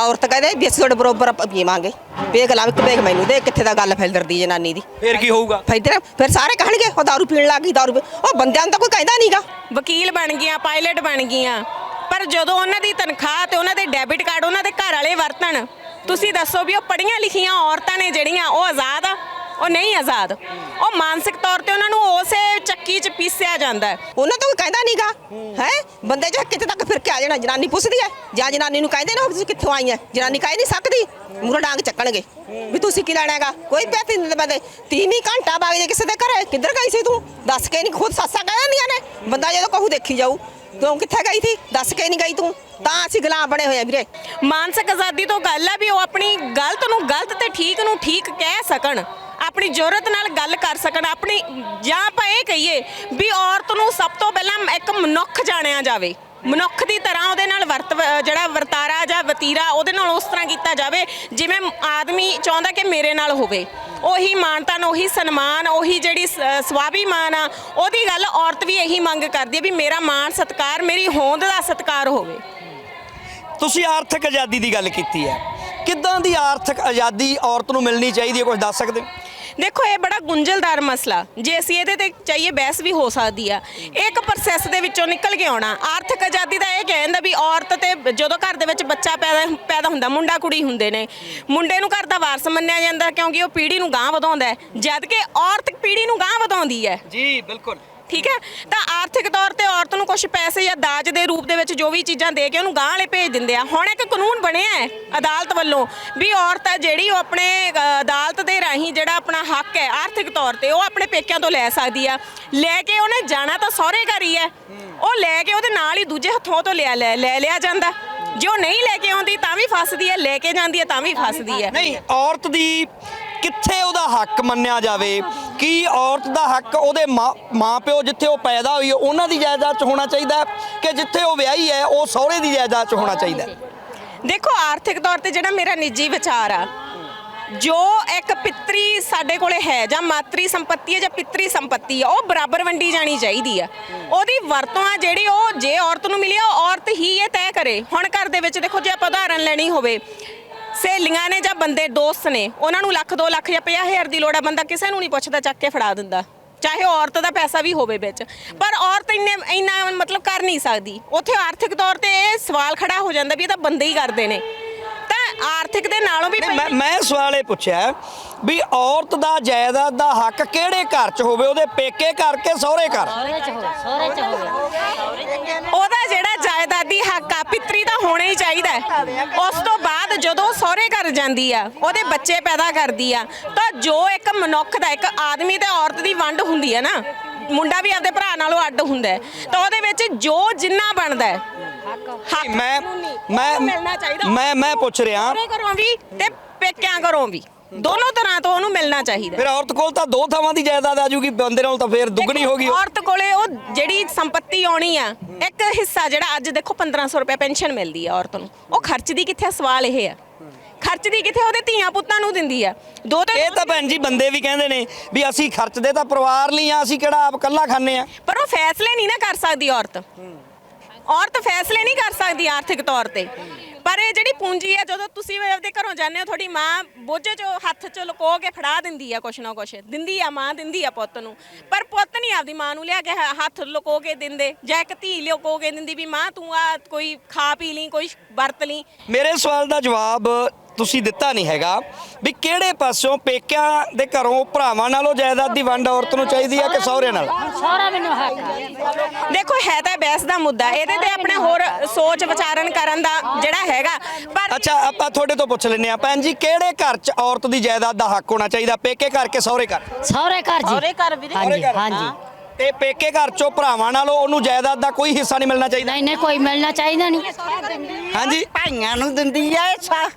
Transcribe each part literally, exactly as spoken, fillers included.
औरत कहदे भी असीं तुहाडे बरोबर पीवांगे पेग ला एक पेग मैनूं दे कित्थे दा गल फिरदी जनानी दी फिर की होਊਗਾ फिर फिर सारे कहणगे ਉਹ दारू पीण ਲੱਗ ਗਈ दारू ਉਹ ਬੰਦਿਆਂ ਨੂੰ ਤਾਂ ਕੋਈ ਕਹਿੰਦਾ ਨਹੀਂਗਾ ਵਕੀਲ ਬਣ ਗਈਆਂ ਪਾਇਲਟ ਬਣ ਗਈਆਂ ਪਰ ਜਦੋਂ ਉਹਨਾਂ ਦੀ ਤਨਖਾਹ ਤੇ ਉਹਨਾਂ ਦੇ ਡੈਬਿਟ ਕਾਰਡ ਉਹਨਾਂ ਦੇ ਘਰ ਵਾਲੇ ਵਰਤਣ ਤੁਸੀਂ ਦੱਸੋ ਵੀ ਉਹ ਪੜ੍ਹੀਆਂ ਲਿਖੀਆਂ ਔਰਤਾਂ ਨੇ ਜਿਹੜੀਆਂ ਉਹ ਆਜ਼ਾਦ ਆ ਉਹ ਨਹੀਂ ਆਜ਼ਾਦ ਉਹ ਮਾਨਸਿਕ ਤੌਰ ਤੇ ਉਹਨਾਂ ਨੂੰ ਉਸੇ ਚੱਕੀ 'ਚ ਪੀਸਿਆ ਜਾਂਦਾ ਹੈ ਉਹਨਾਂ ਤਾਂ ਕੋਈ ਕਹਿੰਦਾ ਨਹੀਂਗਾ ਹੈ ਬੰਦੇ ਜੇ ਕਿਤੇ ਤੱਕ ਫਿਰ ਕੇ ਆ ਜਾਣਾ ਜਨਾਨੀ ਪੁੱਛਦੀ ਹੈ ਜਾਂ ਜਨਾਨੀ ਨੂੰ ਕਹਿੰਦੇ ਨਾ ਤੁਸੀਂ ਕਿੱਥੋਂ ਆਈ ਹੈ ਜਨਾਨੀ ਕਹਿ ਨਹੀਂ ਸਕਦੀ ਮੂਹਰੇ ਡਾਂਗ ਚੱਕਣਗੇ ਵੀ ਤੁਸੀਂ ਕੀ ਲੈਣਾ ਹੈਗਾ ਕੋਈ ਪੈਸੇ ਨਹੀਂ ਦਿੰਦੇ ਬੰਦੇ ਤੀਵੀਂ ਘੰਟਾ ਬਾਗ ਜੇ ਕਿਸੇ ਦੇ ਘਰੇ ਕਿੱਧਰ ਗਈ ਸੀ ਤੂੰ ਦੱਸ ਕੇ ਨਹੀਂ ਖੁਦ ਸੱਸਾਂ ਕਹਿ ਦਿੰਦੀਆਂ ਨੇ ਬੰਦਾ ਜਦੋਂ ਕਹੂ ਦੇਖੀ ਜਾਊ ਤੂੰ ਕਿੱਥੇ ਗਈ ਸੀ ਦੱਸ ਕੇ ਨਹੀਂ ਗਈ ਤੂੰ ਤਾਂ ਅਸੀਂ ਗੁਲਾਮ ਬਣੇ ਹੋਏ ਆ ਵੀਰੇ ਮਾਨਸਿਕ ਆਜ਼ਾਦੀ ਤੋਂ ਗੱਲ ਆ ਵੀ ਉਹ ਆਪਣੀ ਗਲਤ ਨੂੰ ਗਲਤ ਤੇ ਠੀਕ ਨੂੰ ਠੀਕ ਕਹਿ ਸਕਣ ਆਪਣੀ ਜ਼ਰੂਰਤ ਨਾਲ ਗੱਲ ਕਰ ਸਕਣ ਆਪਣੀ ਜਾਂ ਆਪਾਂ ਇਹ ਕਹੀਏ ਵੀ ਔਰਤ ਨੂੰ ਸਭ ਤੋਂ ਪਹਿਲਾਂ ਇੱਕ ਮਨੁੱਖ ਜਾਣਿਆ ਜਾਵੇ ਮਨੁੱਖ ਦੀ ਤਰ੍ਹਾਂ ਉਹਦੇ ਨਾਲ ਵਰਤ ਜਿਹੜਾ ਵਰਤਾਰਾ ਜਾਂ ਵਤੀਰਾ ਉਹਦੇ ਨਾਲ ਉਸ ਤਰ੍ਹਾਂ ਕੀਤਾ ਜਾਵੇ ਜਿਵੇਂ ਆਦਮੀ ਚਾਹੁੰਦਾ ਕਿ ਮੇਰੇ ਨਾਲ ਹੋਵੇ ਉਹੀ ਮਾਨਤਾ ਉਹੀ ਸਨਮਾਨ ਉਹੀ ਜਿਹੜੀ ਸਵਾਭੀਮਾਨ ਆ ਉਹਦੀ ਗੱਲ ਔਰਤ ਵੀ ਇਹੀ ਮੰਗ ਕਰਦੀ ਹੈ ਵੀ ਮੇਰਾ ਮਾਣ ਸਤਿਕਾਰ ਮੇਰੀ ਹੋਂਦ ਦਾ ਸਤਿਕਾਰ ਹੋਵੇ ਤੁਸੀਂ ਆਰਥਿਕ ਆਜ਼ਾਦੀ ਦੀ ਗੱਲ ਕੀਤੀ ਹੈ ਕਿੱਦਾਂ ਦੀ ਆਰਥਿਕ ਆਜ਼ਾਦੀ ਔਰਤ ਨੂੰ ਮਿਲਣੀ ਚਾਹੀਦੀ ਹੈ ਕੁਝ ਦੱਸ ਸਕਦੇ ਹੋ ਦੇਖੋ ਇਹ ਬੜਾ ਗੁੰਝਲਦਾਰ ਮਸਲਾ ਜੇ ਅਸੀਂ ਇਹਦੇ ਤੇ ਚਾਹੀਏ ਬਹਿਸ ਵੀ ਹੋ ਸਕਦੀ ਆ ਇੱਕ ਪ੍ਰੋਸੈਸ ਦੇ ਵਿੱਚੋਂ ਨਿਕਲ ਕੇ ਆਉਣਾ ਆਰਥਿਕ ਆਜ਼ਾਦੀ ਦਾ ਇਹ ਕਹਿੰਦਾ ਵੀ ਔਰਤ ਤੇ ਜਦੋਂ ਘਰ ਦੇ ਵਿੱਚ ਬੱਚਾ ਪੈਦਾ ਪੈਦਾ ਹੁੰਦਾ ਮੁੰਡਾ ਕੁੜੀ ਹੁੰਦੇ ਨੇ ਮੁੰਡੇ ਨੂੰ ਘਰ ਦਾ ਵਾਰਸ ਮੰਨਿਆ ਜਾਂਦਾ ਕਿਉਂਕਿ ਉਹ ਪੀੜ੍ਹੀ ਨੂੰ ਗਾਂਹ ਵਧਾਉਂਦਾ ਜਦ ਕਿ ਔਰਤ ਪੀੜ੍ਹੀ ਨੂੰ ਗਾਂਹ ਵਧਾਉਂਦੀ ਹੈ ਜੀ ਬਿਲਕੁਲ ਠੀਕ ਹੈ ਤਾਂ ਆਰਥਿਕ ਤੌਰ ਤੇ ਔਰਤ ਨੂੰ ਕੁਝ ਪੈਸੇ ਜਾਂ ਦਾਜ ਦੇ ਰੂਪ ਦੇ ਵਿੱਚ ਜੋ ਵੀ ਚੀਜ਼ਾਂ ਦੇ ਕੇ ਉਹਨੂੰ ਗਾਂਹ ਵਾਲੇ ਭੇਜ ਦਿੰਦੇ ਆ ਹੁਣ ਇੱਕ ਕਾਨੂੰਨ ਬਣਿਆ ਹੈ ਅਦਾਲਤ ਵੱਲੋਂ ਵੀ ਔਰਤ ਹੈ ਜਿਹੜੀ ਉਹ ਆਪਣੇ ਅਦਾਲਤ ਦੇ ਰਾਹੀਂ ਜਿਹੜਾ ਆਪਣਾ ਹੱਕ ਹੈ ਆਰਥਿਕ ਤੌਰ ਤੇ ਉਹ ਆਪਣੇ ਪੇਕਿਆਂ ਤੋਂ ਲੈ ਸਕਦੀ ਆ ਲੈ ਕੇ ਉਹਨੇ ਜਾਣਾ ਤਾਂ ਸਹੁਰੇ ਘਰ ਹੀ ਹੈ ਉਹ ਲੈ ਕੇ ਉਹਦੇ ਨਾਲ ਹੀ ਦੂਜੇ ਹੱਥੋਂ ਤੋਂ ਲਿਆ ਲੈ ਲੈ ਲਿਆ ਜਾਂਦਾ ਜੇ ਉਹ ਨਹੀਂ ਲੈ ਕੇ ਆਉਂਦੀ ਤਾਂ ਵੀ ਫਸਦੀ ਹੈ ਲੈ ਕੇ ਜਾਂਦੀ ਹੈ ਤਾਂ ਵੀ ਫਸਦੀ ਹੈ ਨਹੀਂ ਔਰਤ ਦੀ ਕਿੱਥੇ ਉਹਦਾ ਹੱਕ ਮੰਨਿਆ ਜਾਵੇ ਕੀ ਔਰਤ ਦਾ ਹੱਕ ਉਹਦੇ ਮਾਂ ਪਿਓ ਜਿੱਥੇ ਉਹ ਪੈਦਾ ਹੋਈ ਉਹਨਾਂ ਦੀ ਜਾਇਦਾਦ 'ਚ ਹੋਣਾ ਚਾਹੀਦਾ ਕਿ ਜਿੱਥੇ ਉਹ ਵਿਆਹੀ ਹੈ ਉਹ ਸਹੁਰੇ ਦੀ ਜਾਇਦਾਦ 'ਚ ਹੋਣਾ ਚਾਹੀਦਾ ਦੇਖੋ ਆਰਥਿਕ ਤੌਰ ਤੇ ਜਿਹੜਾ ਮੇਰਾ ਨਿੱਜੀ ਵਿਚਾਰ ਆ ਜੋ ਇੱਕ ਪਿਤਰੀ ਸਾਡੇ ਕੋਲੇ ਹੈ ਜਾਂ ਮਾਤਰੀ ਸੰਪत्ति ਹੈ ਜਾਂ ਪਿਤਰੀ ਸੰਪत्ति ਹੈ ਉਹ ਬਰਾਬਰ ਵੰਡੀ ਜਾਣੀ ਚਾਹੀਦੀ ਆ ਉਹਦੀ ਵਰਤੋਂ ਆ ਜਿਹੜੀ ਉਹ ਜੇ ਔਰਤ ਨੂੰ ਮਿਲੀ ਉਹ ਔਰਤ ਹੀ ਇਹ ਤੈਅ ਕਰੇ ਹੁਣ ਘਰ ਦੇ ਵਿੱਚ ਦੇਖੋ ਜੇ ਆਪਾਂ ਉਦਾਹਰਨ ਲੈਣੀ ਹੋਵੇ ਸਹੇਲੀਆਂ ਨੇ ਜਾਂ ਬੰਦੇ ਦੋਸਤ ਨੇ ਉਹਨਾਂ ਨੂੰ ਲੱਖ ਦੋ ਲੱਖ ਜਾਂ ਪੰਜਾਹ ਹਜ਼ਾਰ ਦੀ ਲੋੜ ਆ ਬੰਦਾ ਕਿਸੇ ਨੂੰ ਨਹੀਂ ਪੁੱਛਦਾ ਚੱਕ ਕੇ ਫੜਾ ਦਿੰਦਾ ਚਾਹੇ ਉਹ ਔਰਤ ਦਾ ਪੈਸਾ ਵੀ ਹੋਵੇ ਵਿੱਚ ਪਰ ਔਰਤ ਇੰਨੇ ਇੰਨਾ ਮਤਲਬ ਕਰ ਨਹੀਂ ਸਕਦੀ ਉੱਥੇ ਆਰਥਿਕ ਤੌਰ ਤੇ ਇਹ ਸਵਾਲ ਖੜਾ ਹੋ ਜਾਂਦਾ ਵੀ ਇਹ ਤਾਂ ਬੰਦੇ ਹੀ ਕਰਦੇ ਨੇ ਤਾਂ ਆਰਥਿਕ ਦੇ ਨਾਲੋਂ ਵੀ ਮੈਂ ਮੈਂ ਸਵਾਲ ਇਹ ਪੁੱਛਿਆ ਵੀ ਔਰਤ ਦਾ ਜਾਇਦਾਦ ਦਾ ਹੱਕ ਕਿਹੜੇ ਘਰ 'ਚ ਹੋਵੇ ਉਹਦੇ ਪੇਕੇ ਘਰ ਕੇ ਸਹੁਰੇ ਘਰ ਉਹਦਾ ਜਿਹੜਾ ਜਾਇਦਾਦੀ ਹੱਕ ਆ ਪਿਤਰੀ ਦਾ ਹੋਣਾ ਹੀ ਚਾਹੀਦਾ ਉਸ ਤੋਂ ਬਾਅਦ ਜਦੋਂ ਸਹੁਰੇ ਘਰ ਜਾਂਦੀ ਆ ਉਹਦੇ ਬੱਚੇ ਪੈਦਾ ਕਰਦੀ ਆ ਤਾਂ ਜੋ ਇੱਕ ਮਨੁੱਖ ਦਾ ਇੱਕ ਆਦਮੀ ਤੇ ਔਰਤ ਦੀ ਵੰਡ ਹੁੰਦੀ ਹੈ ਨਾ ਮੁੰਡਾ ਵੀ ਆਪਦੇ ਭਰਾ ਨਾਲੋਂ ਅੱਡ ਹੁੰਦਾ ਤਾਂ ਉਹਦੇ ਵਿੱਚ ਜੋ ਜਿੰਨਾ ਬਣਦਾ ਹੈ ਮੈਂ ਮੈਂ ਮੈਂ ਮੈਂ ਪੁੱਛ ਰਿਹਾ ਘਰੋਂ ਵੀ ਤੇ ਪੇਕਿਆਂ ਘਰੋਂ ਵੀ ਦੋਨੋਂ ਤਰ੍ਹਾਂ ਤੋਂ ਉਹਨੂੰ ਮਿਲਣਾ ਚਾਹੀਦਾ ਫਿਰ ਔਰਤ ਕੋਲ ਤਾਂ ਦੋ ਥਾਵਾਂ ਦੀ ਜਾਇਦਾਦ ਆ ਜੂਗੀ ਬੰਦੇ ਨਾਲ ਤਾਂ ਫਿਰ ਦੁੱਗਣੀ ਹੋ ਗਈ ਔਰਤ ਕੋਲੇ ਉਹ ਜਿਹੜੀ ਸੰਪत्ति ਆਉਣੀ ਆ ਇੱਕ ਹਿੱਸਾ ਜਿਹੜਾ ਅੱਜ ਦੇਖੋ ਪੰਦਰਾਂ ਸੌ ਰੁਪਏ ਪੈਨਸ਼ਨ ਮਿਲਦੀ ਆ ਔਰਤ ਨੂੰ ਉਹ ਖਰਚਦੀ ਕਿੱਥੇ ਸਵਾਲ ਇਹ ਆ ਖਰਚਦੀ ਕਿੱਥੇ ਉਹਦੇ ਧੀਆਂ ਪੁੱਤਾਂ ਨੂੰ ਦਿੰਦੀ ਆ ਦੋ ਤੇ ਇਹ ਤਾਂ ਭੈਣ ਜੀ ਬੰਦੇ ਵੀ ਕਹਿੰਦੇ ਨੇ ਵੀ ਅਸੀਂ ਖਰਚਦੇ ਤਾਂ ਪਰਿਵਾਰ ਲਈ ਆ ਅਸੀਂ ਕਿਹੜਾ ਆਪ ਇਕੱਲਾ ਖਾਂਦੇ ਆ ਪਰ ਉਹ ਫੈਸਲੇ ਨਹੀਂ ਨਾ ਕਰ ਸਕਦੀ ਔਰਤ ਔਰਤ ਫੈਸਲੇ ਨਹੀਂ ਕਰ ਸਕਦੀ ਆਰਥਿਕ ਤੌਰ ਤੇ ਪਰ ਇਹ ਜਿਹੜੀ ਪੂੰਜੀ ਆ ਜਦੋਂ ਤੁਸੀਂ ਆਪਦੇ ਘਰੋਂ ਜਾਂਦੇ ਹੋ ਤੁਹਾਡੀ ਮਾਂ ਬੋਝੇ 'ਚ ਹੱਥ 'ਚ ਲੁਕੋ ਕੇ ਫੜਾ ਦਿੰਦੀ ਆ ਕੁਛ ਨਾ ਕੁਛ ਦਿੰਦੀ ਆ ਮਾਂ ਦਿੰਦੀ ਆ ਪੁੱਤ ਨੂੰ ਪਰ ਪੁੱਤ ਨਹੀਂ ਆਪਦੀ ਮਾਂ ਨੂੰ ਲਿਆ ਕੇ ਹੱਥ ਲੁਕੋ ਕੇ ਦਿੰਦੇ ਜਾਂ ਇੱਕ ਧੀ ਲੁਕੋ ਕੇ ਦਿੰਦੀ ਵੀ ਮਾਂ ਤੂੰ ਆ ਕੋਈ ਖਾ ਪੀ ਲਈ ਕੋਈ ਵਰਤ ਲਈ ਮੇਰੇ ਸਵਾਲ ਦਾ ਜਵਾਬ ਤੁਸੀਂ ਦਿੱਤਾ ਨਹੀਂ ਹੈਗਾ ਵੀ ਕਿਹੜੇ ਪਾਸੋਂ ਪੇਕਿਆਂ ਦੇ ਘਰੋਂ ਭਰਾਵਾਂ ਨਾਲੋਂ ਜਾਇਦਾਦ ਦੀ ਵੰਡ ਔਰਤ ਨੂੰ ਚਾਹੀਦੀ ਹੈ ਕਿ ਸਹੁਰੇ ਨਾਲ ਸਹੁਰਾ ਮੈਨੂੰ ਹੱਕ ਦੇਖੋ ਹੈ ਤਾਂ ਬਹਿਸ ਦਾ ਮੁੱਦਾ ਇਹਦੇ ਤੇ ਆਪਣੇ ਹੋਰ ਸੋਚ ਵਿਚਾਰਨ ਕਰਨ ਦਾ ਜਿਹੜਾ ਹੈਗਾ ਪਰ ਅੱਛਾ ਆਪਾਂ ਤੁਹਾਡੇ ਤੋਂ ਪੁੱਛ ਲੈਂਦੇ ਆ ਭੈਣ ਜੀ ਕਿਹੜੇ ਘਰ 'ਚ ਔਰਤ ਦੀ ਜਾਇਦਾਦ ਦਾ ਹੱਕ ਹੋਣਾ ਚਾਹੀਦਾ ਪੇਕੇ ਘਰ ਕੇ ਸਹੁਰੇ ਘਰ ਸਹੁਰੇ ਘਰ ਜੀ ਸਹੁਰੇ ਘਰ ਵੀਰੇ ਹਾਂਜੀ ਹਾਂਜੀ ਤੇ ਪੇਕੇ ਘਰ 'ਚੋਂ ਭਰਾਵਾਂ ਨਾਲੋਂ ਉਹਨੂੰ ਜਾਇਦਾਦ ਦਾ ਕੋਈ ਹਿੱਸਾ ਨਹੀਂ ਮਿਲਣਾ ਚਾਹੀਦਾ ਨਹੀਂ ਨਹੀਂ ਕੋਈ ਮਿਲਣਾ ਚਾਹੀਦਾ ਨਹੀਂ ਹਾਂਜੀ ਭਾਈਆਂ ਨੂੰ ਦਿੰਦੀ ਆ ਸਾ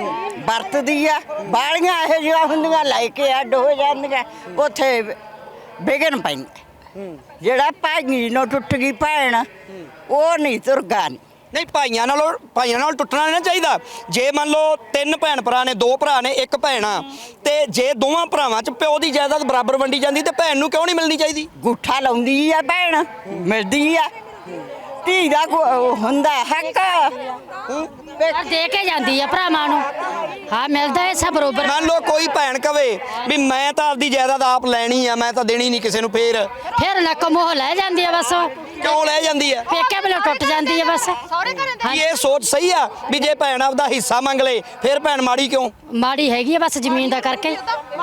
ਵਰਤਦੀ ਆ ਬਾਲੀਆਂ ਇਹੋ ਜਿਹੀਆਂ ਹੁੰਦੀਆਂ ਲੈ ਕੇ ਅੱਡ ਹੋ ਜਾਂਦੀਆਂ ਉੱਥੇ ਵਿਗਨ ਪੈਂਦਾ ਜਿਹੜਾ ਭਾਈ ਨੂੰ ਟੁੱਟ ਗਈ ਭੈਣ ਉਹ ਨਹੀਂ ਤੁਰਗਾ ਨਹੀਂ ਨਹੀਂ ਭਾਈਆਂ ਨਾਲੋਂ ਭਾਈਆਂ ਨਾਲ ਟੁੱਟਣਾ ਨਹੀਂ ਚਾਹੀਦਾ ਜੇ ਮੰਨ ਲਓ ਤਿੰਨ ਭੈਣ ਭਰਾ ਨੇ ਦੋ ਭਰਾ ਨੇ ਇੱਕ ਭੈਣ ਆ ਤੇ ਜੇ ਦੋਵਾਂ ਭਰਾਵਾਂ 'ਚ ਪਿਓ ਦੀ ਜਾਇਦਾਦ ਬਰਾਬਰ ਵੰਡੀ ਜਾਂਦੀ ਤੇ ਭੈਣ ਨੂੰ ਕਿਉਂ ਨਹੀਂ ਮਿਲਣੀ ਚਾਹੀਦੀ ਗੁੱਠਾ ਲਾਉਂਦੀ ਆ ਭੈਣ ਮਿਲਦੀ ਆ ਧੀ ਦਾ ਕੋ- ਹੁੰਦਾ ਹੱਕ ਪਰ ਦੇ ਕੇ ਜਾਂਦੀ ਆ ਭਰਾਵਾਂ ਨੂੰ ਹਾਂ ਮਿਲਦਾ ਹੈ ਸਭ ਬਰੋਬਰ ਮੰਨ ਲਓ ਕੋਈ ਭੈਣ ਕਵੇ ਵੀ ਮੈਂ ਤਾਂ ਆਪਦੀ ਜਾਇਦਾਦ ਆਪ ਲੈਣੀ ਆ, ਮੈਂ ਤਾਂ ਦੇਣੀ ਨਹੀਂ ਕਿਸੇ ਨੂੰ, ਫੇਰ ਫਿਰ ਨੱਕ ਮੋਹ ਲੈ ਜਾਂਦੀ ਆ ਬਸ ਉਹ। ਕਿਉਂ ਲੈ ਜਾਂਦੀ ਆ? ਪੇਕੇ ਵੱਲੋਂ ਟੁੱਟ ਜਾਂਦੀ ਆ ਬਸ ਕੀ ਇਹ ਸੋਚ ਸਹੀ ਆ ਵੀ ਜੇ ਭੈਣ ਆਪਦਾ ਹਿੱਸਾ ਮੰਗ ਲੇ ਫਿਰ ਭੈਣ ਮਾੜੀ ਕਿਉਂ? ਮਾੜੀ ਹੈਗੀ ਆ ਬਸ ਜ਼ਮੀਨ ਦਾ ਕਰਕੇ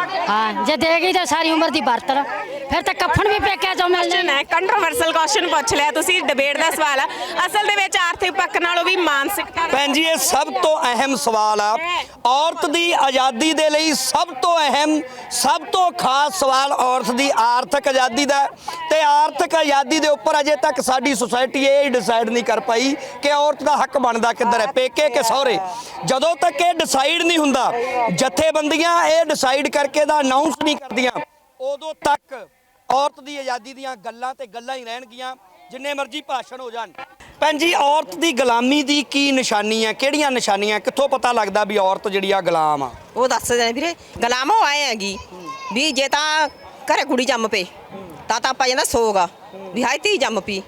ਹਾਂ ਜੇ ਦੇ ਗਈ ਤਾਂ ਸਾਰੀ ਉਮਰ ਦੀ ਵਰਤਣ ਫਿਰ ਤਾਂ ਕੱਫਣ ਵੀ ਪੇਕਿਆਂ ਚੋਂ ਮਿਲ ਕੁਐਸਚਨ ਜਾਣਾ ਹੈ ਕੰਟਰੋਵਰਸਲ ਕੁਐਸਚਨ ਪੁੱਛ ਲਿਆ ਤੁਸੀਂ, ਡਿਬੇਟ ਦਾ ਸਵਾਲ ਆ। ਅਸਲ ਦੇ ਵਿੱਚ ਆਰਥਿਕ ਪੱਖ ਨਾਲੋਂ ਵੀ ਮਾਨਸਿਕਤਾ ਭੈਣ ਜੀ ਇਹ ਸਭ ਤੋਂ ਅਹਿਮ ਸਵਾਲ ਆ। ਔਰਤ ਦੀ ਆਜ਼ਾਦੀ ਦੇ ਲਈ ਸਭ ਤੋਂ ਅਹਿਮ ਸਭ ਤੋਂ ਖਾਸ ਸਵਾਲ ਔਰਤ ਦੀ ਆਰਥਿਕ ਆਜ਼ਾਦੀ ਦਾ ਹੈ। ਤੇ ਆਰਥਿਕ ਆਜ਼ਾਦੀ ਦੇ ਉੱਪਰ ਅਜੇ ਤੱਕ ਸਾਡੀ ਸੁਸਾਇਟੀ ਇਹ ਡਿਸਾਈਡ ਨਹੀਂ ਕਰ ਪਾਈ ਕਿ ਔਰਤ ਦਾ ਹੱਕ ਬਣਦਾ ਕਿੱਧਰ ਹੈ, ਪੇਕੇ ਕਿ ਸਹੁਰੇ। ਜਦੋਂ ਤੱਕ ਇਹ ਡਿਸਾਈਡ ਨਹੀਂ ਹੁੰਦਾ, ਜਥੇਬੰਦੀਆਂ ਇਹ ਡਿਸਾਈਡ ਕਰਕੇ ਦਾ ਅਨਾਉਂਸ ਨਹੀਂ ਕਰਦੀਆਂ, ਉਦੋਂ ਤੱਕ ਔਰਤ ਦੀ ਆਜ਼ਾਦੀ ਦੀਆਂ ਗੱਲਾਂ ਤੇ ਗੱਲਾਂ ਹੀ ਰਹਿਣਗੀਆਂ, ਜਿੰਨੇ ਮਰਜ਼ੀ ਭਾਸ਼ਣ ਹੋ ਜਾਣ। ਭੈਣ ਜੀ ਔਰਤ ਦੀ ਗੁਲਾਮੀ ਦੀ ਕੀ ਨਿਸ਼ਾਨੀ ਹੈ, ਕਿਹੜੀਆਂ ਨਿਸ਼ਾਨੀਆਂ, ਕਿੱਥੋਂ ਪਤਾ ਲੱਗਦਾ ਵੀ ਔਰਤ ਜਿਹੜੀ ਆ ਗੁਲਾਮ ਆ? ਉਹ ਦੱਸਦੇ ਨੇ ਵੀਰੇ ਗੁਲਾਮ ਉਹ ਆਏ ਹੈਗੀ ਵੀ ਜੇ ਤਾਂ ਘਰੇ ਕੁੜੀ ਜੰਮ ਪਏ ਤਾਂ ਤਾਂ ਆਪਾਂ ਜਾਂਦਾ ਸੋਗਾ ਵੀ ਹਾਏ ਧੀ ਜੰਮ ਪਈ,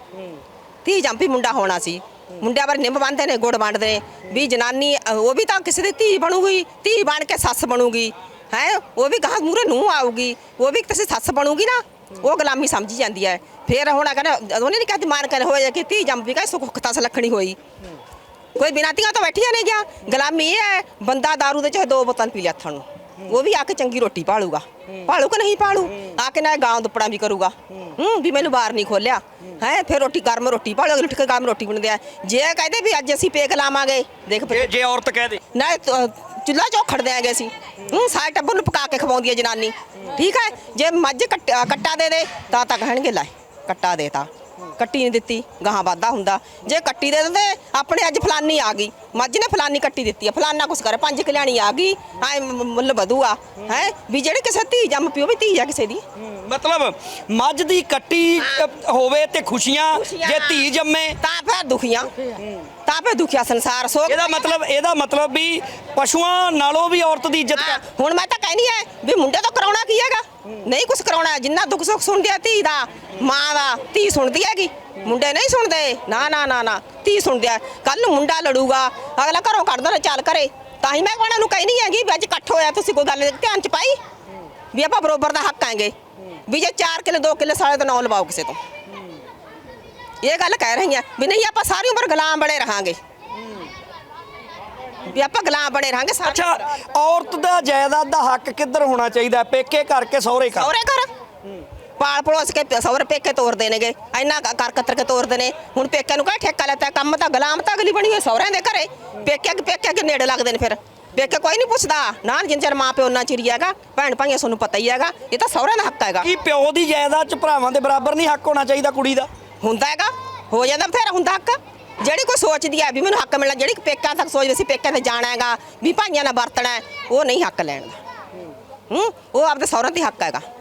ਧੀ ਜੰਮ ਪਈ ਮੁੰਡਾ ਹੋਣਾ ਸੀ। ਮੁੰਡਿਆਂ ਪਰ ਨਿੰਮ ਬੰਨਦੇ ਨੇ, ਗੁੜ ਵੰਡਦੇ ਨੇ ਵੀ ਜਨਾਨੀ ਉਹ ਵੀ ਤਾਂ ਕਿਸੇ ਦੀ ਧੀ ਬਣੂਗੀ, ਧੀ ਬਣ ਕੇ ਸੱਸ ਬਣੂਗੀ ਹੈ, ਉਹ ਵੀ ਗਾਹ ਮੂਹਰੇ ਨੂੰਹ ਆਊਗੀ, ਉਹ ਵੀ ਕਿਸੇ ਸੱਸ ਬਣੂਗੀ ਨਾ, ਉਹ ਗੁਲਾਮੀ ਸਮਝੀ ਜਾਂਦੀ ਹੈ। ਫਿਰ ਹੁਣ ਕਹਿੰਦਾ ਉਹਨੇ ਨਹੀਂ ਕਹਿੰਦੀ ਮਾਰ ਕਰ ਹੋਇਆ ਕਿ ਧੀ ਜੰਮ ਪਈ ਕਹੇ ਸੁੱਖ ਤਾਂ ਸਲੱਖਣੀ ਹੋਈ, ਕੋਈ ਬਿਨਾਂ ਧੀਆਂ ਤੋਂ ਬੈਠੀਆਂ ਨਹੀਂ ਗਿਆ। ਗੁਲਾਮੀ ਇਹ ਹੈ ਬੰਦਾ ਦਾਰੂ ਦੇ ਚਾਹੇ ਦੋ ਬੋਤਲ ਪੀ ਲਿਆ ਹੱਥਾਂ ਨੂੰ, ਉਹ ਵੀ ਆ ਕੇ ਚੰਗੀ ਰੋਟੀ ਪਾਲੂਗਾ, ਪਾਲੂ ਕਿ ਨਹੀਂ ਪਾਲੂ, ਆ ਕੇ ਨਾ ਗਾਂ ਦੁੱਪੜਾ ਵੀ ਕਰੂਗਾ ਹੂੰ ਵੀ ਮੈਨੂੰ ਬਾਹਰ ਨਹੀਂ ਖੋਲਿਆ ਹੈ, ਫਿਰ ਰੋਟੀ ਗਰਮ ਰੋਟੀ ਪਾਲੋ, ਉੱਠ ਕੇ ਗਰਮ ਰੋਟੀ ਬਣਦੇ ਆ। ਜੇ ਕਹਿੰਦੇ ਵੀ ਅੱਜ ਅਸੀਂ ਪੇਕ ਲਾਵਾਂਗੇ ਦੇਖ ਜੇ ਜੇ ਔਰਤ ਕਹਿ ਦੇ ਨਾ ਚੁੱਲ੍ਹਾ ਚੌਖੜ ਦਿਆਂਗੇ ਅਸੀਂ, ਹੂੰ ਸਾਰੇ ਟੱਬਰ ਨੂੰ ਪਕਾ ਕੇ ਖਵਾਉਂਦੀ ਹੈ ਜਨਾਨੀ, ਠੀਕ ਹੈ। ਜੇ ਮੱਝ ਕੱਟ- ਕੱਟਾ ਦੇ ਦੇ ਤਾਂ ਤਾਂ ਕਹਿਣਗੇ ਲੈ ਕੱਟਾ ਦੇ ਤਾ, ਕੱਟੀ ਨਹੀਂ ਦਿੱਤੀ ਗਾਹਾਂ ਵਾਧਾ ਹੁੰਦਾ। ਜੇ ਕੱਟੀ ਦੇ ਦਿੰਦੇ ਆਪਣੇ ਅੱਜ ਫਲਾਨੀ ਆ ਗਈ, ਮੱਝ ਨੇ ਫਲਾਨੀ ਕੱਟੀ ਦਿੱਤੀ ਆ, ਫਲਾਨਾ ਕੁਛ ਕਰੇ ਪੰਜ ਕਲਿਆਣੀ ਆ ਗਈ, ਐ ਮੁੱਲ ਵਧੂਆ ਹੈ ਵੀ ਜਿਹੜੇ ਕਿਸੇ ਧੀ ਜੰਮ ਪਿਓ ਵੀ ਧੀ ਆ ਕਿਸੇ ਦੀ। ਮਤਲਬ ਮੱਝ ਦੀ ਕੱਟੀ ਅ, ਹੋਵੇ ਤੇ ਖੁਸ਼ੀਆਂ, ਜੇ ਧੀ ਜੰਮੇ ਤਾਂ ਫਿਰ ਦੁਖੀਆਂ, ਤਾਂ ਫਿਰ ਦੁਖਿਆ ਸੰਸਾਰ ਸੋ। ਇਹਦਾ ਮਤਲਬ ਇਹਦਾ ਮਤਲਬ ਵੀ ਪਸ਼ੂਆਂ ਨਾਲੋਂ ਵੀ ਔਰਤ ਦੀ ਇੱਜ਼ਤ ਕਰ। ਹੁਣ ਮੈਂ ਤਾਂ ਕਹਿਨੀ ਐ ਵੀ ਮੁੰਡੇ ਤੋਂ ਕਰਾਉਣਾ ਕੀ ਹੈਗਾ, ਨਹੀਂ ਕੁਛ ਕਰਾਉਣਾ, ਜਿੰਨਾ ਦੁੱਖ ਸੁੱਖ ਸੁਣਦੀ ਆ ਧੀ ਦਾ ਮਾਂ ਦਾ ਧੀ ਸੁਣਦੀ ਹੈਗੀ, ਮੁੰਡੇ ਨਹੀਂ ਸੁਣਦੇ ਨਾ ਨਾ ਨਾ ਨਾ ਧੀ ਸੁਣਦੇ ਆ। ਕੱਲ ਨੂੰ ਮੁੰਡਾ ਲੜੂਗਾ ਅਗਲਾ ਘਰੋਂ ਕੱਢ ਦੇਣਾ ਚੱਲ ਕਰੇ, ਤਾਂ ਹੀ ਮੈਂ ਉਹਨਾਂ ਨੂੰ ਕਹਿਨੀ ਹੈਗੀ ਵੀ ਅੱਜ ਇਕੱਠ ਹੋਇਆ ਤੁਸੀਂ ਕੋਈ ਗੱਲ ਧਿਆਨ ਚ ਪਾਈ ਵੀ ਆਪਾਂ ਬਰੋਬਰ ਦਾ ਹੱਕ ਆਂਗੇ, ਵੀ ਜੇ ਚਾਰ ਕਿੱਲੇ ਦੋ ਕਿੱਲੇ ਸਾਲੇ ਤੋਂ ਨਾ ਲਵਾਓ ਕਿਸੇ ਤੋਂ, ਇਹ ਗੱਲ ਕਹਿ ਰਹੀ ਆ ਵੀ ਨਹੀਂ ਆਪਾਂ ਸਾਰੀ ਉਮਰ ਗੁਲਾਮ ਬਣੇ ਰਹਾਂਗੇ, ਵੀ ਆਪਾਂ ਗੁਲਾਮ ਬਣੇ ਰਹਾਂਗੇ ਸਾਰੀ ਅੱਛਾ ਉਮਰ। ਔਰਤ ਦਾ ਜਾਇਦਾਦ ਦਾ ਹੱਕ ਕਿੱਧਰ ਹੋਣਾ ਚਾਹੀਦਾ, ਪੇਕੇ ਘਰ ਕੇ ਸਹੁਰੇ ਘਰ? ਸਹੁਰੇ ਘਰ ਪਾਲ ਪੜੋਸ ਕੇ ਸਹੁਰੇ ਪੇਕੇ ਤੋਰਦੇ ਨੇਗੇ, ਇੰਨਾ ਕਰ ਕਤਰ ਕੇ ਤੋਰਦੇ ਨੇ। ਹੁਣ ਪੇਕਿਆਂ ਨੂੰ ਕਹੇ ਠੇਕਾ ਲੈਤਾ ਕੰਮ ਤਾਂ ਗੁਲਾਮ ਤਾਂ ਅਗਲੀ ਬਣੀ ਹੋਈ ਸਹੁਰਿਆਂ ਦੇ ਘਰੇ, ਪੇਕਿਆਂ ਕੇ ਪੇਕਿਆਂ ਕੇ ਨੇੜੇ ਲੱਗਦੇ ਨੇ, ਫਿਰ ਪੇਕੇ ਕੋਈ ਨਹੀਂ ਪੁੱਛਦਾ ਨਾ, ਜਿੰਨ ਚਿਰ ਮਾਂ ਪਿਓ ਉਹਨਾਂ ਚਿਰ ਹੀ ਹੈਗਾ, ਭੈਣ ਭਾਈਆਂ ਤੁਹਾਨੂੰ ਪਤਾ ਹੀ ਹੈਗਾ, ਇਹ ਤਾਂ ਸਹੁਰਿਆਂ ਦਾ ਹੱਕ ਹੈਗਾ। ਕੀ ਪਿਓ ਦੀ ਜਾਇਦਾਦ ਚ ਭਰਾਵਾਂ ਦੇ ਬਰਾਬਰ ਨਹੀਂ ਹੱਕ ਹੋਣਾ ਚਾਹੀਦਾ ਕੁੜੀ ਦਾ? ਹੁੰਦਾ ਹੈਗਾ, ਹੋ ਜਾਂਦਾ ਬਥੇਰਾ ਹੁੰਦਾ ਹੱਕ। ਜਿਹੜੀ ਕੋਈ ਸੋਚਦੀ ਹੈ ਵੀ ਮੈਨੂੰ ਹੱਕ ਮਿਲਣਾ, ਜਿਹੜੀ ਪੇਕਿਆਂ ਤੱਕ ਸੋਚਦੀ ਸੀ ਪੇਕਿਆਂ ਤੇ ਜਾਣਾ ਹੈਗਾ ਵੀ ਭਾਈਆਂ ਨਾਲ ਵਰਤਣਾ ਹੈ, ਉਹ ਨਹੀਂ ਹੱਕ ਲੈਣ ਦਾ, ਹੂੰ ਉਹ ਆਪਦੇ ਸਹੁਰਿਆਂ ਤੇ ਹੱਕ ਹੈਗਾ।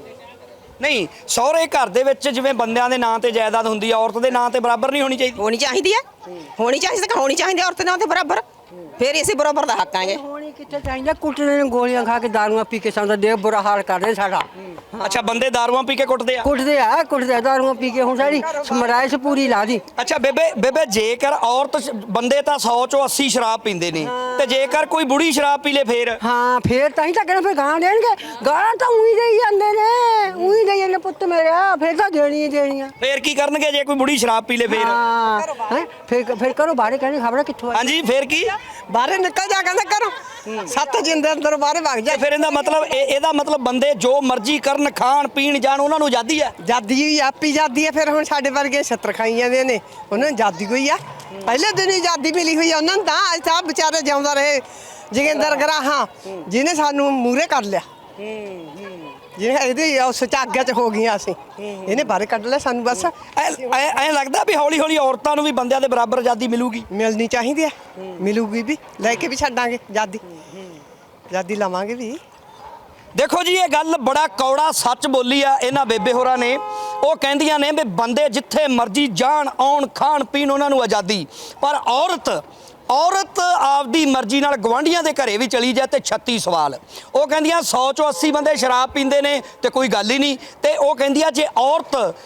ਨਹੀਂ ਸਹੁਰੇ ਘਰ ਦੇ ਵਿੱਚ ਜਿਵੇਂ ਬੰਦਿਆਂ ਦੇ ਨਾਂ ਤੇ ਜਾਇਦਾਦ ਹੁੰਦੀ ਆ, ਔਰਤ ਦੇ ਨਾਂ ਤੇ ਬਰਾਬਰ ਨਹੀਂ ਹੋਣੀ ਚਾਹੀਦੀ? ਹੋਣੀ ਚਾਹੀਦੀ ਹੈ, ਹੋਣੀ ਚਾਹੀਦੀ ਤਾਂ ਹੋਣੀ ਚਾਹੀਦੀ ਔਰਤ ਨਾਲ ਤੇ ਬਰਾਬਰ, ਫਿਰ ਇਸੇ ਬਰਾਬਰ ਦਾ ਹੱਕ ਆਂਗੇ। ਹੋਣੀ ਕਿੱਥੇ ਚਾਹੀਦਾ, ਕੁੱਟਦੇ ਨੇ ਗੋਲੀਆਂ ਖਾ ਕੇ ਦਾਰੂਆਂ ਪੀ ਕੇ ਸਾਡਾ ਦੇਖ ਬੁਰਾ ਹਾਲ ਕਰਦੇ ਸਾਡਾ। ਅੱਛਾ ਬੰਦੇ ਦਾਰੂਆਂ ਪੀ ਕੇ ਕੁੱਟਦੇ ਆ? ਕੁੱਟਦੇ ਆ ਕੁੱਟਦੇ ਆ ਦਾਰੂਆਂ ਪੀ ਕੇ, ਹੁਣ ਸਾਡੀ ਸਮਰਾਇਸ਼ ਪੂਰੀ ਲਾ ਦੀ। ਅੱਛਾ ਬੇਬੇ ਬੇਬੇ ਜੇਕਰ ਔਰਤ ਸ਼- ਬੰਦੇ ਤਾਂ ਸੌ ਚੋਂ ਅੱਸੀ ਸ਼ਰਾਬ ਪੀਂਦੇ ਨੇ, ਤੇ ਜੇਕਰ ਕੋਈ ਬੁੜੀ ਸ਼ਰਾਬ ਪੀ ਲੇ ਫੇਰ? ਹਾਂ ਫੇਰ ਤਾਂ ਹੀ ਤਾਂ ਕਹਿੰਦਾ ਫਿਰ ਗਾਂ ਦੇਣਗੇ, ਗਾਲਾਂ ਤਾਂ ਉਹੀ ਦੇਈ ਜਾਂਦੇ ਨੇ, ਉਹੀ ਦੇਈ ਜਾਂਦੇ ਪੁੱਤ ਮੇਰਾ, ਫੇਰ ਤਾਂ ਦੇਣੀ ਹੀ ਦੇਣੀਆਂ। ਫੇਰ ਕੀ ਕਰਨਗੇ ਜੇ ਕੋਈ ਬੁੜੀ ਸ਼ਰਾਬ ਪੀ ਲੇ ਫੇਰ? ਹਾਂ ਹੈਂ? ਫਿਰ ਫਿਰ ਕਰੋ ਬਾਹਰ ਕਹਿੰਦੇ ਖਬਰ ਕਿੱਥੋਂ ਆਈ। ਹਾਂਜੀ ਫੇਰ ਕੀ? ਬਾਹਰ ਨਿਕਲ ਜਾ ਕਹਿੰਦਾ ਕਰੋ ਸੱਤ ਜਿੰਦੇ ਅੰਦਰ ਬਾਹਰ ਵਗ ਜਾ। ਫਿਰ ਇਹਦਾ ਮਤਲਬ ਇਹ ਇਹਦਾ ਮਤਲਬ ਬੰਦੇ ਜੋ ਮਰਜ਼ੀ ਕਰਨ, ਖਾਣ ਪੀਣ ਜਾਣ, ਉਹਨਾਂ ਨੂੰ ਆਜ਼ਾਦੀ ਹੈ? ਜਾਦੀ ਹੋਈ ਆਪੀ ਜਾਦੀ ਹੈ, ਫਿਰ ਹੁਣ ਸਾਡੇ ਵਰਗੇ ਛੱਤਰ ਖਾਈ ਜਾਂਦੇ ਨੇ, ਉਹਨਾਂ ਨੂੰ ਜਾਦੀ ਕੋਈ ਆ, ਪਹਿਲੇ ਦਿਨ ਹੀ ਜਾਦੀ ਮਿਲੀ ਹੋਈ ਆ ਉਹਨਾਂ ਨੂੰ, ਤਾਂ ਅੱਜ ਤਾਂ ਵਿਚਾਰੇ ਜਿਉਂਦਾ ਰਹੇ ਜੋਗਿੰਦਰ ਗਰਾਹਾਂ ਜਿਹਨੇ ਸਾਨੂੰ ਮੂਹਰੇ ਕਰ ਲਿਆ, ਜਿਹਨੇ ਇਹਦੀ ਉਸ ਚਾਗਿਆ ਚ ਹੋ ਗਈਆਂ ਅਸੀਂ, ਇਹਨੇ ਬਾਹਰ ਕੱਢ ਲਿਆ ਸਾਨੂੰ। ਬਸ ਐ ਐ ਲੱਗਦਾ ਵੀ ਹੌਲੀ ਹੌਲੀ ਔਰਤਾਂ ਨੂੰ ਵੀ ਬੰਦਿਆਂ ਦੇ ਬਰਾਬਰ ਆਜ਼ਾਦੀ ਮਿਲੂਗੀ? ਮਿਲਣੀ ਚਾਹੀਦੀ ਹੈ, ਮਿਲੂਗੀ ਵੀ, ਲੈ ਕੇ ਵੀ ਛੱਡਾਂਗੇ ਜਾਦੀ, ਜਾਦੀ ਲਵਾਂਗੇ ਵੀ। ਦੇਖੋ ਜੀ ਇਹ ਗੱਲ ਬੜਾ ਕੌੜਾ ਸੱਚ ਬੋਲੀ ਆ ਇਹਨਾਂ ਬੇਬੇ ਹੋਰਾਂ ਨੇ। ਉਹ ਕਹਿੰਦੀਆਂ ਨੇ ਵੀ ਬੰਦੇ ਜਿੱਥੇ ਮਰਜ਼ੀ ਜਾਣ ਆਉਣ ਖਾਣ ਪੀਣ, ਉਹਨਾਂ ਨੂੰ ਆਜ਼ਾਦੀ, ਪਰ ਔਰਤ ਔਰਤ ਆਪਦੀ ਮਰਜ਼ੀ ਨਾਲ ਗਵਾਂਢੀਆਂ ਦੇ ਘਰੇ ਵੀ ਚਲੀ ਜਾਏ ਤੇ ਛੱਤੀ ਸਵਾਲ। ਉਹ ਕਹਿੰਦੀਆਂ ਸੌ ਚੋਂ ਅੱਸੀ ਬੰਦੇ ਸ਼ਰਾਬ ਪੀਂਦੇ ਨੇ ਤੇ ਕੋਈ ਗੱਲ ਹੀ ਨਹੀਂ, ਤੇ ਉਹ ਕਹਿੰਦੀਆਂ ਜੇ ਔਰਤ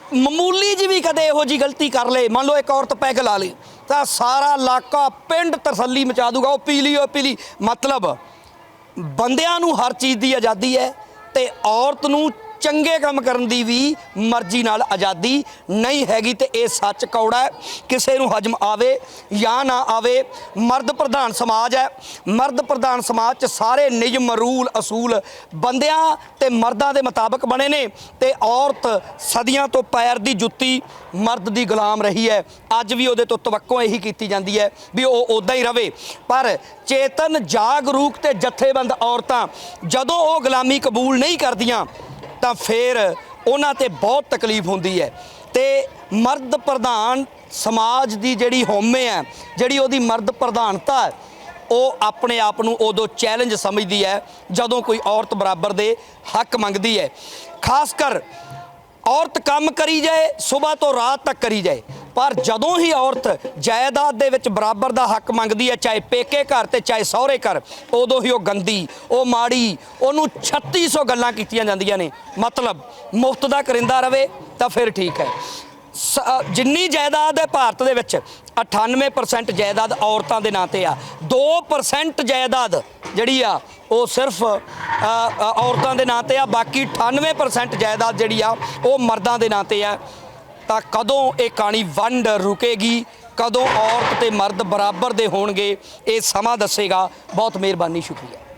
ਮਾਮੂਲੀ ਜਿਹੀ ਵੀ ਕਦੇ ਇਹੋ ਜਿਹੀ ਗਲਤੀ ਕਰ ਲੇ, ਮੰਨ ਲਓ ਇੱਕ ਔਰਤ ਪੈਗ ਲਾ ਲੇ, ਤਾਂ ਸਾਰਾ ਇਲਾਕਾ ਪਿੰਡ ਤਸੱਲੀ ਮਚਾ ਦੂਗਾ, ਉਹ ਪੀ ਲਈ ਉਹ ਪੀ ਲਈ। ਮਤਲਬ ਬੰਦਿਆਂ ਨੂੰ ਹਰ ਚੀਜ਼ ਦੀ ਆਜ਼ਾਦੀ ਹੈ ਤੇ ਔਰਤ ਨੂੰ ਚੰਗੇ ਕੰਮ ਕਰਨ ਦੀ ਵੀ ਮਰਜ਼ੀ ਨਾਲ ਆਜ਼ਾਦੀ ਨਹੀਂ ਹੈਗੀ। ਤੇ ਇਹ ਸੱਚ ਕੌੜਾ ਹੈ, ਕਿਸੇ ਨੂੰ ਹਜਮ ਆਵੇ ਜਾਂ ਨਾ ਆਵੇ। ਮਰਦ ਪ੍ਰਧਾਨ ਸਮਾਜ ਹੈ, ਮਰਦ ਪ੍ਰਧਾਨ ਸਮਾਜ 'ਚ ਸਾਰੇ ਨਿਯਮ ਰੂਲ ਅਸੂਲ ਬੰਦਿਆਂ ਤੇ ਮਰਦਾਂ ਦੇ ਮੁਤਾਬਕ ਬਣੇ ਨੇ ਤੇ ਔਰਤ ਸਦੀਆਂ ਤੋਂ ਪੈਰ ਦੀ ਜੁੱਤੀ ਮਰਦ ਦੀ ਗੁਲਾਮ ਰਹੀ ਹੈ। ਅੱਜ ਵੀ ਉਹਦੇ ਤੋਂ ਤਵੱਕੋ ਇਹੀ ਕੀਤੀ ਜਾਂਦੀ ਹੈ ਵੀ ਉਹ ਉੱਦਾਂ ਹੀ ਰਵੇ। ਪਰ ਚੇਤਨ ਜਾਗਰੂਕ ਤੇ ਜਥੇਬੰਦ ਔਰਤਾਂ ਜਦੋਂ ਉਹ ਗੁਲਾਮੀ ਕਬੂਲ ਨਹੀਂ ਕਰਦੀਆਂ ਤਾਂ ਫਿਰ ਉਹਨਾਂ ਤੇ ਬਹੁਤ ਤਕਲੀਫ ਹੁੰਦੀ ਹੈ। ਤੇ ਮਰਦ ਪ੍ਰਧਾਨ ਸਮਾਜ ਦੀ ਜਿਹੜੀ ਹਉਮੈ ਹੈ, ਜਿਹੜੀ ਉਹਦੀ ਮਰਦ ਪ੍ਰਧਾਨਤਾ ਹੈ, ਉਹ ਆਪਣੇ ਆਪ ਨੂੰ ਉਦੋਂ ਚੈਲੰਜ ਸਮਝਦੀ ਹੈ ਜਦੋਂ ਕੋਈ ਔਰਤ ਬਰਾਬਰ ਦੇ ਹੱਕ ਮੰਗਦੀ ਹੈ। ਖਾਸ ਕਰ ਔਰਤ ਕੰਮ ਕਰੀ ਜਾਏ, ਸਵੇਰ ਤੋਂ ਰਾਤ ਤੱਕ ਕਰੀ ਜਾਏ, ਪਰ ਜਦੋਂ ਹੀ ਔਰਤ ਜਾਇਦਾਦ ਦੇ ਵਿੱਚ ਬਰਾਬਰ ਦਾ ਹੱਕ ਮੰਗਦੀ ਹੈ, ਚਾਹੇ ਪੇਕੇ ਘਰ ਤੇ ਚਾਹੇ ਸਹੁਰੇ ਘਰ, ਉਦੋਂ ਹੀ ਉਹ ਗੰਦੀ, ਉਹ ਮਾੜੀ, ਉਹਨੂੰ ਛੱਤੀ ਸੌ ਗੱਲਾਂ ਕੀਤੀਆਂ ਜਾਂਦੀਆਂ ਨੇ। ਮਤਲਬ ਮੁਫਤ ਦਾ ਕਰਿੰਦਾ ਰਵੇ ਤਾਂ ਫਿਰ ਠੀਕ ਹੈ। ਜਿੰਨੀ ਜਾਇਦਾਦ ਹੈ ਭਾਰਤ ਦੇ ਵਿੱਚ ਅਠਾਨਵੇਂ ਪਰਸੈਂਟ ਜਾਇਦਾਦ ਔਰਤਾਂ ਦੇ ਨਾਂ ਤੇ ਆ, ਦੋ ਪਰਸੈਂਟ ਜਾਇਦਾਦ ਜਿਹੜੀ ਆ ਉਹ ਸਿਰਫ ਔਰਤਾਂ ਦੇ ਨਾਂ ਤੇ ਆ, ਬਾਕੀ ਅਠਾਨਵੇਂ ਪਰਸੈਂਟ ਜਾਇਦਾਦ ਜਿਹੜੀ ਆ ਉਹ ਮਰਦਾਂ ਦੇ ਨਾਂ ਤੇ ਆ। ਤਾਂ ਕਦੋਂ ਇਹ ਕਹਾਣੀ ਵੰਡ ਰੁਕੇਗੀ, ਕਦੋਂ ਔਰਤ ਤੇ ਮਰਦ ਬਰਾਬਰ ਦੇ ਹੋਣਗੇ, ਇਹ ਸਮਾਂ ਦੱਸੇਗਾ। ਬਹੁਤ ਮਿਹਰਬਾਨੀ, ਸ਼ੁਕਰੀਆ।